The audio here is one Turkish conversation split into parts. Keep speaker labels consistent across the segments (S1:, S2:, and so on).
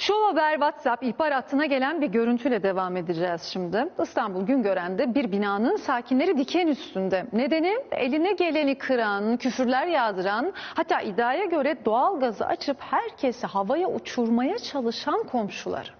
S1: Show Haber WhatsApp ihbar hattına gelen bir görüntüyle devam edeceğiz şimdi. İstanbul Güngören'de bir binanın sakinleri diken üstünde. Nedeni eline geleni kıran, küfürler yağdıran, hatta iddiaya göre doğalgazı açıp herkesi havaya uçurmaya çalışan komşuları.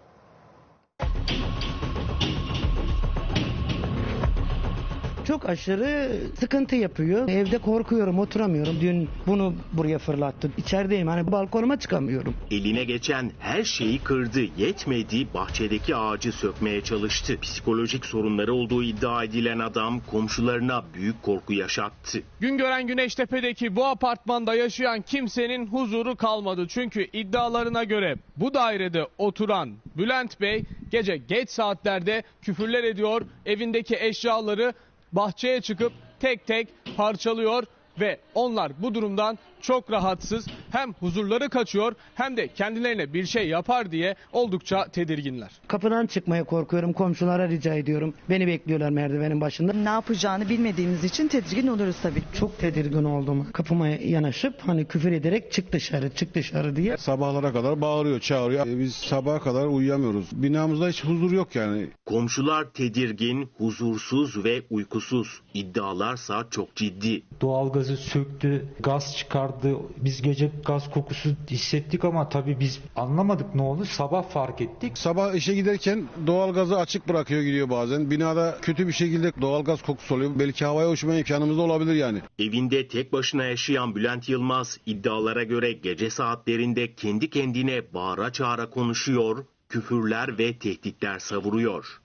S2: Çok aşırı sıkıntı yapıyor. Evde korkuyorum, oturamıyorum. Dün bunu buraya fırlattı. İçerideyim, hani balkonuma çıkamıyorum.
S3: Eline geçen her şeyi kırdı, yetmedi, bahçedeki ağacı sökmeye çalıştı. Psikolojik sorunları olduğu iddia edilen adam komşularına büyük korku yaşattı.
S4: Güngören Güneştepe'deki bu apartmanda yaşayan kimsenin huzuru kalmadı. Çünkü iddialarına göre bu dairede oturan Bülent Bey gece geç saatlerde küfürler ediyor, evindeki eşyaları bahçeye çıkıp tek tek parçalıyor ve onlar bu durumdan çok rahatsız. Hem huzurları kaçıyor hem de kendilerine bir şey yapar diye oldukça tedirginler.
S2: Kapıdan çıkmaya korkuyorum. Komşulara rica ediyorum. Beni bekliyorlar merdivenin başında.
S5: Ne yapacağını bilmediğimiz için tedirgin oluruz tabii.
S2: Çok tedirgin oldum. Kapıma yanaşıp hani küfür ederek çık dışarı, çık dışarı diye.
S6: Sabahlara kadar bağırıyor, çağırıyor. Biz sabaha kadar uyuyamıyoruz. Binamızda hiç huzur yok yani.
S3: Komşular tedirgin, huzursuz ve uykusuz. İddialarsa çok ciddi.
S7: Doğalgazı söktü, gaz çıkardı. Biz gece gaz kokusu hissettik ama tabii biz anlamadık ne oldu. Sabah fark ettik.
S6: Sabah işe giderken doğalgazı açık bırakıyor, gidiyor bazen. Binada kötü bir şekilde doğalgaz kokusu oluyor. Belki havaya uçma imkanımız da olabilir yani.
S3: Evinde tek başına yaşayan Bülent Yılmaz iddialara göre gece saatlerinde kendi kendine bağıra çağıra konuşuyor, küfürler ve tehditler savuruyor.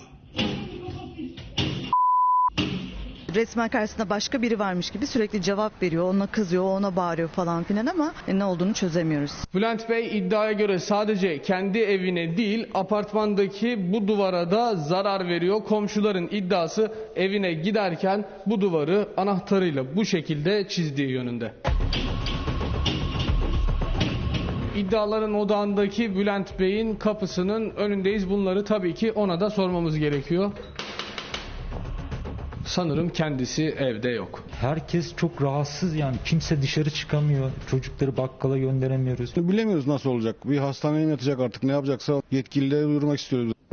S5: Resmen karşısında başka biri varmış gibi sürekli cevap veriyor. Ona kızıyor, ona bağırıyor falan filan ama ne olduğunu çözemiyoruz.
S4: Bülent Bey iddiaya göre sadece kendi evine değil apartmandaki bu duvara da zarar veriyor. Komşuların iddiası evine giderken bu duvarı anahtarıyla bu şekilde çizdiği yönünde. İddiaların odağındaki Bülent Bey'in kapısının önündeyiz. Bunları tabii ki ona da sormamız gerekiyor. Sanırım kendisi evde yok.
S7: Herkes çok rahatsız, yani kimse dışarı çıkamıyor. Çocukları bakkala gönderemiyoruz.
S6: Bilemiyoruz nasıl olacak. Bir hastaneye mi yatacak artık, ne yapacaksa yetkililere duyurmak istiyoruz.